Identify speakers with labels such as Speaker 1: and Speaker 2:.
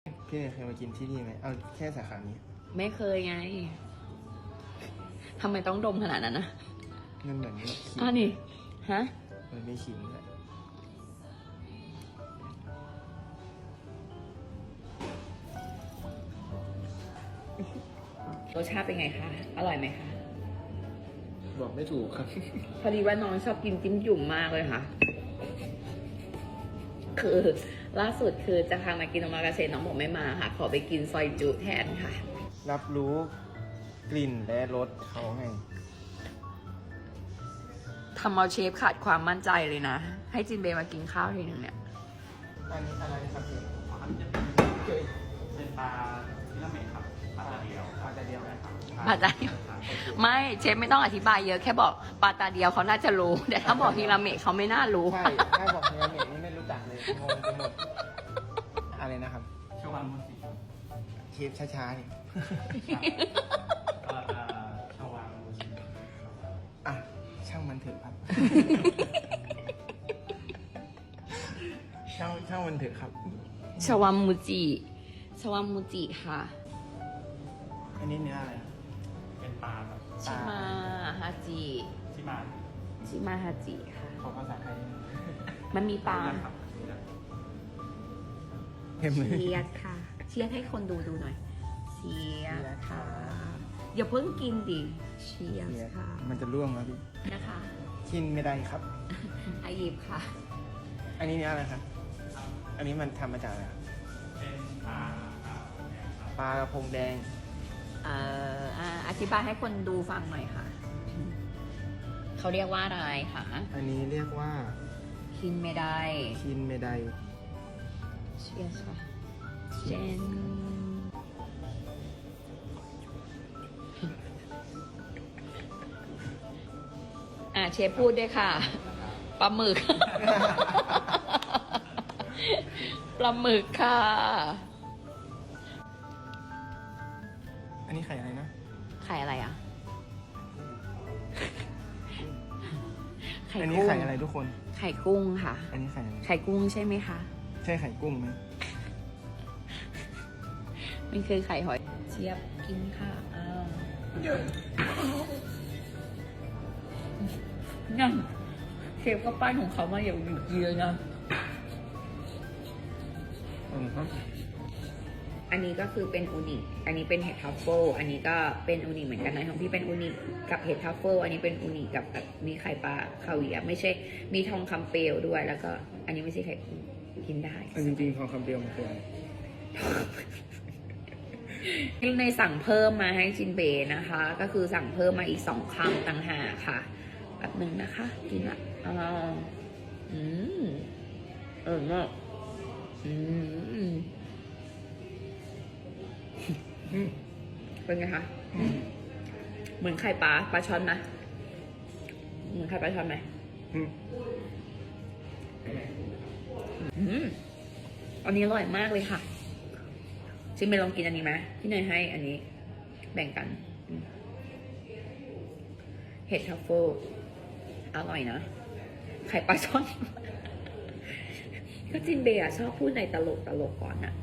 Speaker 1: พี่เนยเคยมากินที่นี่ไหมเอาแค่สาขานี้
Speaker 2: ไม่เคยไงทำไมต้องดมขนาดนั้นนะ
Speaker 1: มันเหมือนขิง
Speaker 2: นี่ฮะ
Speaker 1: มันไม่ขิงเลย
Speaker 2: รสชาติเป็นไงคะอร่อยไหมคะ
Speaker 1: บอกไม่ถูกครับ
Speaker 2: พอดีว่าน้องชอบกินจิ้มจุ่มมากเลยค่ะ คือล่าสุดคือจะพามากินโอมากาเสะน้องบอกไม่มาค่ะ ขอไปกินซอยจุแทนค่ะ
Speaker 1: รับรู้กลิ่นและรสเขาให้
Speaker 2: ทำเอาเชฟขาดความมั่นใจเลยนะ ให้จินเบย์มากินข้าวทีนึงเนี่ย
Speaker 1: อันนี้อะไรครับพี่
Speaker 3: อันนี้จะเป็นปลาที่ละเมดครับปลาตาเดียว
Speaker 1: ปลาแต่เดียวนะครับ
Speaker 2: ปลาตาเดียวไม่เชฟไม่ต้องอธิบายเยอะแค่บอกปลาตาเดียวเขาน่าจะรู้แต่ถ้าบอกฮิราเมะเขาไม่น่ารู้
Speaker 1: ใช่ถ้าบอกเนื้อเมดนี่ไม่รู้จักเลยงงไปหมดอะไรนะครับ
Speaker 3: ชวันมุสิ
Speaker 1: เชฟช้าๆนี่
Speaker 3: ก็ชวันมุสิ
Speaker 1: อ่ะช่างมันเถอะครับ ช่างมันเถอะครับ
Speaker 2: ชวามูจิชวามูจิค่ะ
Speaker 1: อันนี้เนื้ออะไร
Speaker 3: เป็นปลาแบบ
Speaker 2: ชิมาฮาจิ
Speaker 3: ที่มา
Speaker 2: ชิมาฮาจิค่ะ
Speaker 1: ขอภาษาไทยได้ไหม
Speaker 2: มันมีปลา
Speaker 3: ครับ
Speaker 1: เต็มเลย
Speaker 2: เชียดค่ะ เชียดให้คนดูหน่อยเชียดค่ะ อย่าเพิ่งกินดิเชียดค่ะ
Speaker 1: มันจะร่วงแล้วพี่
Speaker 2: นะคะ
Speaker 1: กินไม่ได้ครับ
Speaker 2: อายิบค่ะ
Speaker 1: อันนี้เนื้ออะไรครับ อันนี้มันทำมาจากอะไรครับ
Speaker 3: เป็นปลา
Speaker 1: ปลากระพงแดง
Speaker 2: อธิบายให้คนดูฟังหน่อยค่ะ เขาเรียกว่าอะไรคะ
Speaker 1: อันนี้เรียกว่า
Speaker 2: กินไม่ได้
Speaker 1: คินเมได
Speaker 2: เชียร์ค่ะเจนเชฟพูดด้วยค่ะ ปลาหมึก ปลาหมึกค่ะ
Speaker 1: อันนี้ไข่อะไรนะ
Speaker 2: ไข่อะไรอ่ะ ไข่
Speaker 1: อันนี้
Speaker 2: กุ้ง
Speaker 1: ไข่อะไรทุกคน
Speaker 2: ไข่กุ้งค่ะ
Speaker 1: อันนี้ไข่อะไร
Speaker 2: ไข่กุ้งใช่ไหมคะ
Speaker 1: ใช่ไข่กุ้งไหม
Speaker 2: มันคือไข่หอยเชียบกินค่ะอ้าวนั่นเชฟก็ป้ายของเขามาอย่างเยอะนะ
Speaker 1: ครับ
Speaker 2: อันนี้ก็คือเป็นอูนิ อันนี้เป็นเห็ดทัฟเฟิลอันนี้ก็เป็นอูนิเหมือนกันนะของพี่เป็นอูนิกับเห็ดทัฟเฟิลอันนี้เป็นอูนิกับมีไข่ปลาคาเวียร์ไม่ใช่ มีทองคำเปลวด้วย แล้วก็ อันนี้ไม่ใช่ไข่กุ้งกินได้
Speaker 1: จริงๆทองคำเปรียวมันคืออะไร
Speaker 2: ยิ่งในสั่งเพิ่มมาให้จินเบนะคะ ก็คือสั่งเพิ่มมาอีก2 คำต่างหากค่ะแบบหนึ่งนะคะกินละมากเป็นไงคะเหมือนไข่ปลาช่อนนะเหมือนไข่ปลาช่อนไหมอันนี้อร่อยมากเลยค่ะจินเบลองกินอันนี้ไหมพี่เนยให้อันนี้แบ่งกันเห็ดทัฟเฟิลอร่อยนะไข่ปลาช่อน ก็จินเบย์ชอบพูดในตลกก่อนอะ